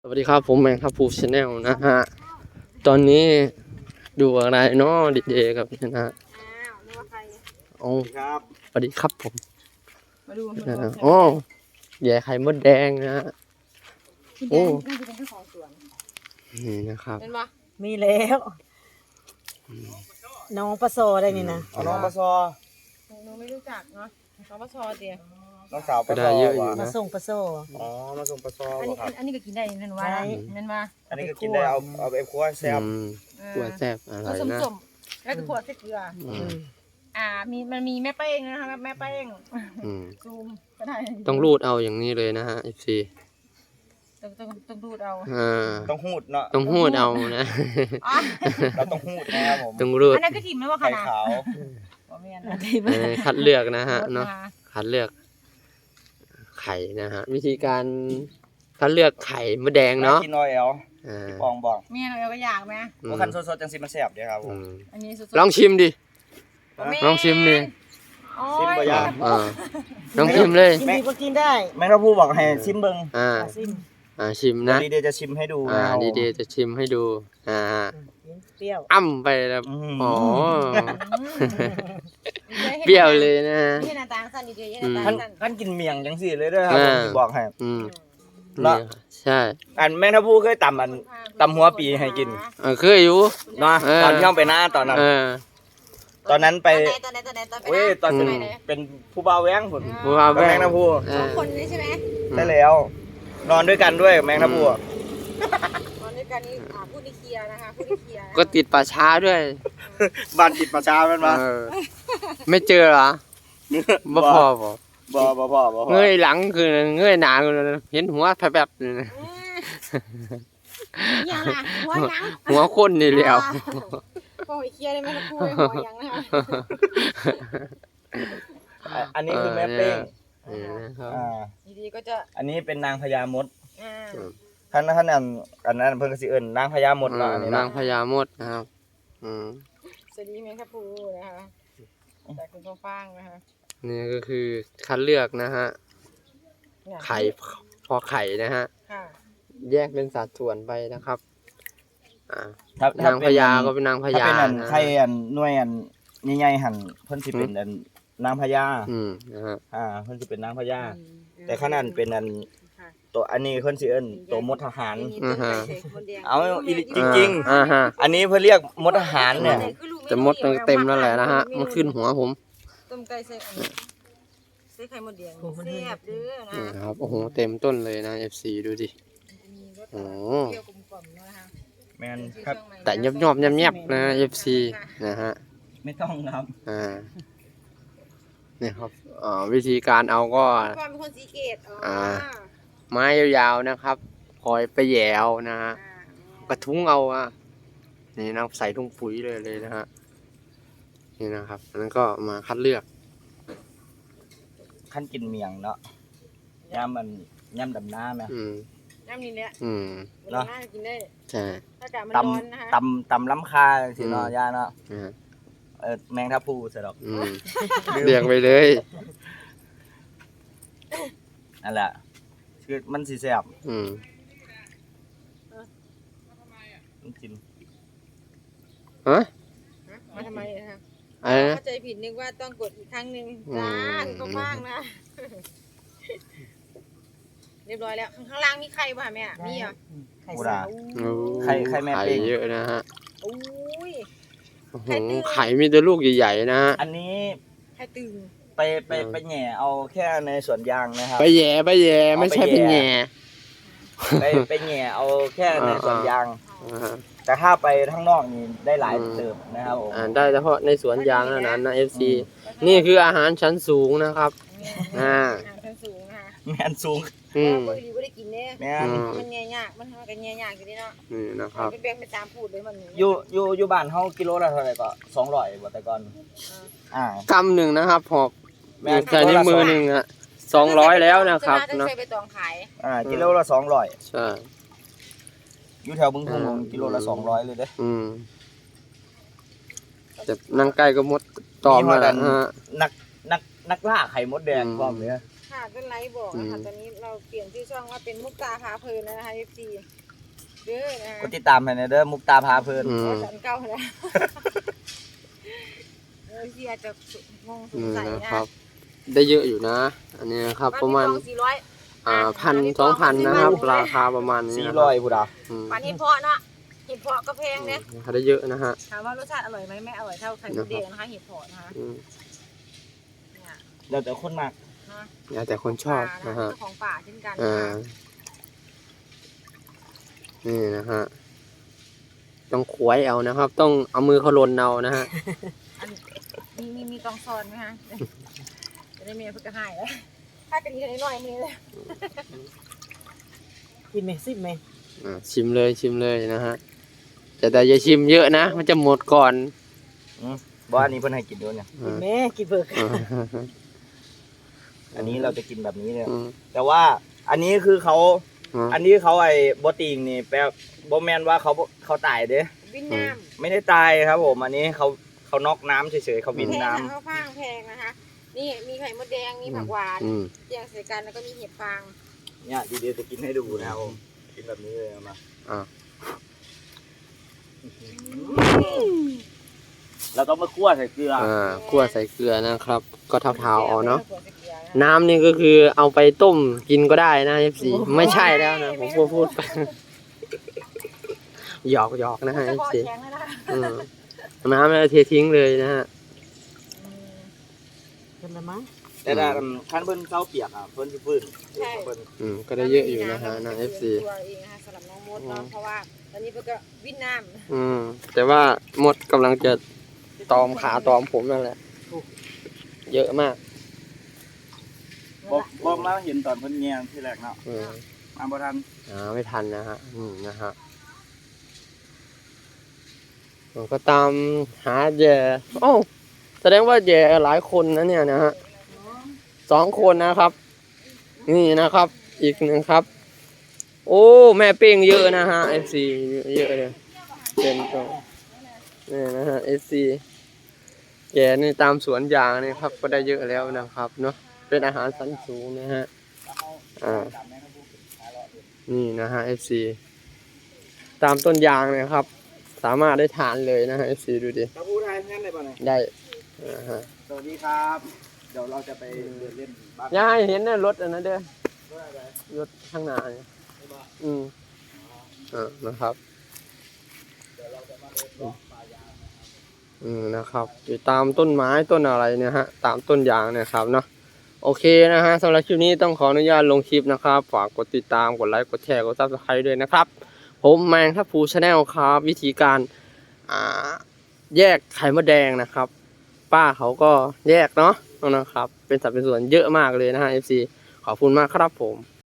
สวัสดีครับผมแมงครับฟูชาแนลนะฮะตอนนี้ดูอะไรเนาะดีเจครับนะฮะนึกว่าใครโอ้ครับสวัสดีครับผมมาดูมันโอ้ใหญ่ไข่มดแดงนะฮะโอ้น่าจะเป็นเจ้าของสวนนี่นะครับเป็นปะมีแล้วน้องปลาโซได้นี่นะเอาน้องปลาซอหนูไม่รู้จักเนาะน้องปลาชอเดียวน้องสาวปลาซอว่ะมาส่งปลาโซอ๋อมาส่งปลาซออันนี้ว่ะครับอันนี้ก็กินได้นั่นว่าได้นั่นว่าอันนี้ก็กินได้เอาไปคั่วแซ่บกลัวแซ่บอะไรผสมนะสมแล้วก็ขวดใส่เกลืออืมมันมีแม่เป้งนะคะแม่เป้งอืมซูมก็ได้ต้องรูดเอาอย่างนี้เลยนะฮะ FC ต้องดูดเอาต้องหูดเนาะต้องหูดเอานะอ๋อเราต้องหูดนะครับผมต้องรูดอันนั้นก็ถิ่มไหมว่าขไข่นาดขาวบ่แม่นคัดเลือกนะฮะรสเนาะมาคัดเลือกไข่นะฮะวิธีการคัดเลือกไข่มดแดงเนาะกินออยแอลอ่าปองบอกแม่เราก็อยากไหมว่าคันสดๆจังสิมันแซ่บเด้อครับผอืมมอันนี้สุดๆลองชิมดิบ่แม่นลองชิมดิโอ้ชิมยบ่ยากลองชิมเลยกินดีก็กินได้แม่งเราพูดบอกให้ชิมเบิ่งซิมชิมนะดีเดย์จะชิมให้ดูนะครับผมดีๆจะชิมให้ดูเปรี้ยวอ้ำไปแล้วอืมอ๋อ เปรี้ยวเลยนะฮะนี่หน้าตาสั้นดีๆนี่หน้าท่าตาน สั้นท่านกินเมี่ยงจังสิเลยเด้อครับผมสิบอกให้อืมแล้นี่วใช่อันแม่งถ้าพูดเคยตำหัวปีให้กินเคยอยู่เนาะเออตอนที่เราไปหน้าตอนนั้น ตอนนั้นไปตอนไหนตอนเว้ยตอนเป็นไหนเป็นผู้บ่าวแว้งผมบัวกับแป้แมงงนาพูเอสอองคนนี้ใช่ไหมได้แล้ว นอนด้วยกันด้วยแมงนาพูอะตอนนี้การนี้พูดในเคลียร์นะคะพูดในเคลียร์ก็ติดป่าช้าด้วยบ้านติดประชาเป็นมาเออไม่เจอเหรอบ่พอบ่บ่เงยหลังคือเงยหน้าคือเห็นหัวแผลบๆนี่นะยังล่ะหัวยังหัวคนนี่แหล้วโอ้ยเคลียร์ได้ไหมล่ะพูดหัวยังนะคะอันนี้คือแม่เป้งนี่นะครับอ่าดีๆก็จะอันนี้เป็นนางพญามดอ่าท่านอันนั้นเพิ่นก็สิเอิ้นนางพญามดเนาะอันนี้นางนะพญามดนะครับสวัสดีแมงครับพูนะคะจากคุณพ่อฟางนะคะนี่ก็คือคัดเลือกนะฮะ ไข่พอไข่นะฮะค่ะแยกเป็นสัดส่วนไปนะครับถ้นางพญาก็เป็นนางพถ้าญาเป็นอันนะไข่อันหน่วยอันใหญ่ๆหั่นเพิ่นสิเป็นอันนางพญานะฮะเพิ่นสิเป็นนางพญาแต่ขนาดเป็นอันตัวอันนี้เพิ่นสิเอิ้นตัวมดทหาร เอาอีหลีจริงฮะๆ อันนี้เพิ่นเรียกมดทหารเนี่ยแต่มดมันเต็มแล้วแหละนะฮะ มันขึ้นหัวผมต้มไก่ใส่ใส่ไข่มดแดงแซ่บเด้อนะนี่ครับ โอ้โห เต็มต้นเลยนะ FC ดูดิมีรสโอ้เปรี้ยวกลมกล่อมนะคะแม่นครับแต่ยบๆแยบๆนะ FC นะฮะไม่ต้องครับนี่ครับวิธีการเอาก็ก่อนเป็นคนสีเกตไม้ยาวๆนะครับ คอยไปแหย่เอานะฮะ กระทุ้งเอานี่นะใส่ถุงปุ๋ยเลยนะฮะ นี่นะครับแล้วก็มาคัดเลือกขั้นกินเมียงเนาะย่ำมันย่ำดำน้ำนะน้ำนี้เนี่ยเนาะน่ากินได้ใช่ถ้าอากาศมันตร้อนนะคะำตำล้ำคาสิเนาะย่าเนาะนะฮะแมงทับพลูเสร็จหรอกเรียงไปเลยนั่นแหละคือมันสีแสบต้องกินฮะมาทำไมนะคะอะไรนะเข้าใจผิดนึกว่าต้องกดอีกครั้งหนึ่งจ้าคุณก็ว่างนะ เรียบร้อยแล้วข้างล่างมีไข่ป่ะแม่มีอ่ะไข่โบสาราณวไข่แม่ไข่เป้งเยอะนะฮะอุ้ยโอ้โหไข่มีแต่ลูกใหญ่ๆนะฮะอันนี้ไข่ตึงไปแหน่เอาแค่ในสวนยางนะครับไปแย่ไม่ใช่ไปแย่ไปแหน่เอาแค่ในสวนยางอ่าฮะแต่ถ้าไปข้างนอกนี่ได้หลายเติบนะครับผมได้เฉพาะในสวนยางเท่านั้นนะ FC นี่คืออาหารชั้นสูงนะครับชั้นสูงนะคะแมนสูงปกติไม่ได้กินเนี่ยแมนมันแง่ยากมันทำกันแง่ยากอยู่นี่เนาะนี่นะครับเป็นแบ่งเป็นตามพูดเลยมันอยู่บ้านเฮากิโลละเท่าไหร่ก็200บ่แต่ก่อนกำหนึ่งนะครับหอบแม่นใส่ในมือหนึ่ง200แล้วนะครับจะเนาะใส่ไปตองขายกิโลละ200 ใช่อยู่แถวบึงพงกิโลละ200เลยเด้แต่นั่งใกล้ก็มดตอมมีแล้วฮอดอันฮะนักล่าไข่มดแดงพร้อมเลยค่ะต้นไลท์บอกนะคะตอนนี้เราเปลี่ยนชื่อช่องว่าเป็นมุกตาพาเพลินแล้วนะคะ FC เด้อนะคะกดติดตามให้หน่อยเด้อมุกตาพาเพลินสันเก้าแล้วFC อาจจะงงสงสัยนะนะครับได้เยอะอยู่นะ อันนี้นะครับประมาณ 400 1,000-2,000นะครับ ราคาประมาณนี้นะค 400พุดาปลาเห็ดเพาะเนาะเห็ดเพาะก็แพงเนี่ยได้เยอะนะฮะถามว่ารสชาติอร่อยไหมไม่อร่อยเท่าไข่มดแดงนะคะเห็ดเพาะนะคะเนี่ยแล้วแต่คนมากนะแล้วแต่คนชอบนะฮะเจ้าของป่าเช่นกันอ่านะคะนี่นะฮะ ต้องขวยเอานะครับ ต้องเอามือเขาลนเอานะฮะมีกองซอนไหมคะจะได้เมียเพื่อจะให้แล้วถ้ากะทิจะได้น้อยมือเลยกินไหมซิมไหมชิมเลยนะฮะแต่อย่าชิมเยอะนะ มันจะหมดก่อนบ่อันนี้เพิ่นให้กินด้วยเนี่ยกินแม่กินเบิกอันนี้เราจะกินแบบนี้เลยอืมแต่ว่าอันนี้คือเขา อันนี้เขาไอ้บ่ติงนี่แปลบ่แม่นว่าเขาตายเด้วินน้ไม่ได้ตายครับผมอันนี้เขาน็อกน้ำเฉยๆเขาำบินแพงน้ำค่ะข้าวฟ่างแพงนะคะ นี่มีไข่มดแดงมีผักหวานอืมเจียงใส่กันแล้วก็มีเห็ดฟางเนี่ยดีๆจะกินให้ดูนะครับผมกินแบบนี้เลยเอามาอ่าเราต้องมาคั่วใส่เกลือคั่วใส่เกลือนะครับ ก็เท้าๆเอาเนาะ น้ำนี่ก็คือเอาไปต้มกินก็ได้นะ FC ไม่ใช่แล้วนะ ผมพูดไป หยอกนะฮะจะพอ FC แข็งแล้วนะคะอืมน้ำเราเททิ้งเลยนะฮะกันละมั้งแต่ถ้าคันเพิ่นเซาเปียกอ่ะเพิ่นสิฟื้นเพิ่นก็ได้เยอะอยู่นะฮะนะ FC ตัวเองนะคะสำหรับน้องมดเนาะเพราะว่าตอนนี้เพิ่นก็วินน้ำแต่ว่ามดกำลังจะตอมขาตอมผมนั่นแหละ เยอะมากบ่มาเห็นตอนเพิ่นแยงที่แรกเนาะอืมมาบ่ทันไม่ทันนะฮะนะฮะผมก็ตามหาแย่โอ้แสดงว่าแย่หลายคนนะเนี่ยนะฮะ2 คนนะครับ นี่นะครับ อีกหนึ่งครับ โอ้แม่เป้งเยอะนะฮะ FC เยอะเลยเป็นตัวนี่นะฮะ FC แย่นี่ตามสวนยางนี่ครับ ก็ได้เยอะแล้วนะครับเนาะเป็นอาหารชั้นสูงนะฮะนี่นะฮะ FC ตามต้นยางเนี่ยครับ สามารถได้ทานเลยนะฮะ FC ดูดิตะพูไทยงั้นได้ป่ะเนี่ยได้นะฮะสวัสดีครับ เดี๋ยวเราจะไปเดินเล่นบ้านอย่าให้เห็นนะรถอันนั้นเด้อรถข้างหน้าเนี่ยนะครับนะครับอยู่ตามต้นไม้ต้นอะไรเนี่ยฮะตามต้นยางเนี่ยครับเนาะโอเคนะฮะสำหรับคลิปนี้ต้องขออนุญาตลงคลิปนะครับฝากกดติดตามกดไลค์กดแชร์กด Subscribe ด้วยนะครับผมแมงทัพพูชาแนลครับวิธีการแยกไข่มดแดงนะครับป้าเขาก็แยกเนาะนะครับเป็นสัดเป็นส่วนเยอะมากเลยนะฮะ FC ขอบคุณมากครับผม